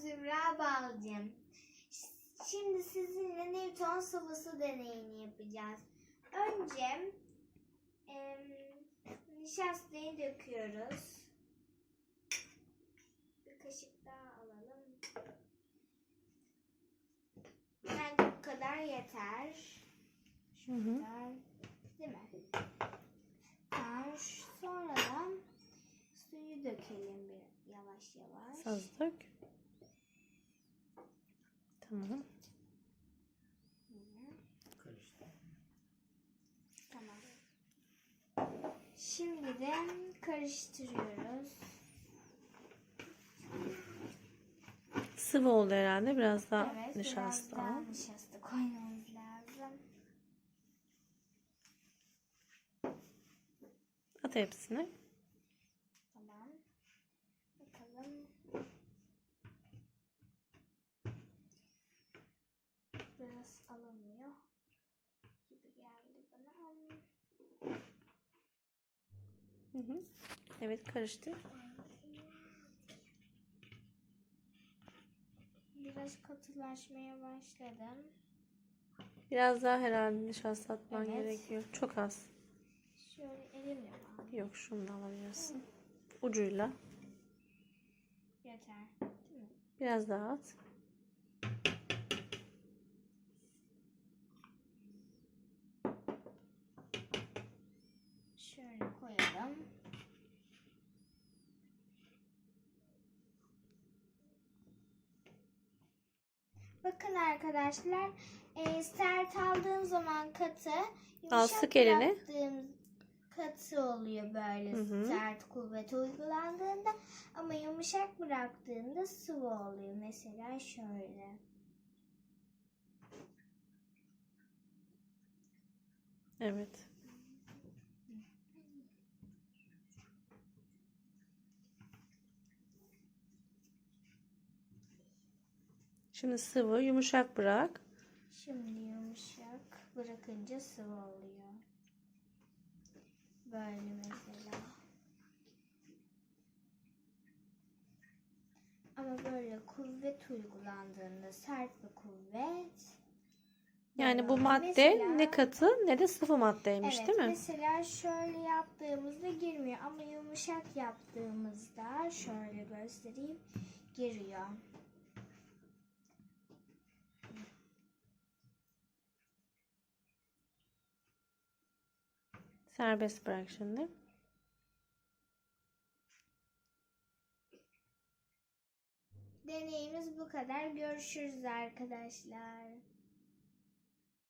Zümra Balcım. Şimdi sizinle Newton sıvısı deneyini yapacağız. Önce nişastayı döküyoruz. Bir kaşık daha alalım. Bence bu kadar yeter. Şu kadar. Değil mi? Tamam. Sonradan suyu dökelim bir yavaş yavaş. Az dök. Tamam. Tamam. Şimdi de karıştırıyoruz. Sıvı oldu herhalde. Biraz daha Evet, nişasta. biraz daha nişasta koymamız lazım. At hepsini. Tamam. Bakalım. Biraz alınmıyor gibi geldi bana. Evet, karıştır. Biraz katılaşmaya başladım. Biraz daha herhalde nişasta atman Evet. gerekiyor. Çok az. Şöyle elimle alayım. Yok, şunu da alabilirsin. Ucuyla. Yeter. Değil mi? Biraz daha at. Şöyle koyalım. Bakın arkadaşlar, sert aldığım zaman katı, Al, yumuşak sık elini. bıraktığım katı oluyor böyle sert kuvvet uygulandığında, ama yumuşak bıraktığında sıvı oluyor. Mesela şöyle. Evet. Şimdi sıvı, yumuşak bırak. Şimdi yumuşak bırakınca sıvı oluyor. Böyle mesela. Ama böyle kuvvet uygulandığında, sert bir kuvvet. Yani bu madde Mesela, ne katı ne de sıvı maddeymiş, evet, değil mi? mesela şöyle yaptığımızda girmiyor, ama yumuşak yaptığımızda şöyle göstereyim, giriyor. Serbest bırak şimdi. Deneyimiz bu kadar. Görüşürüz arkadaşlar.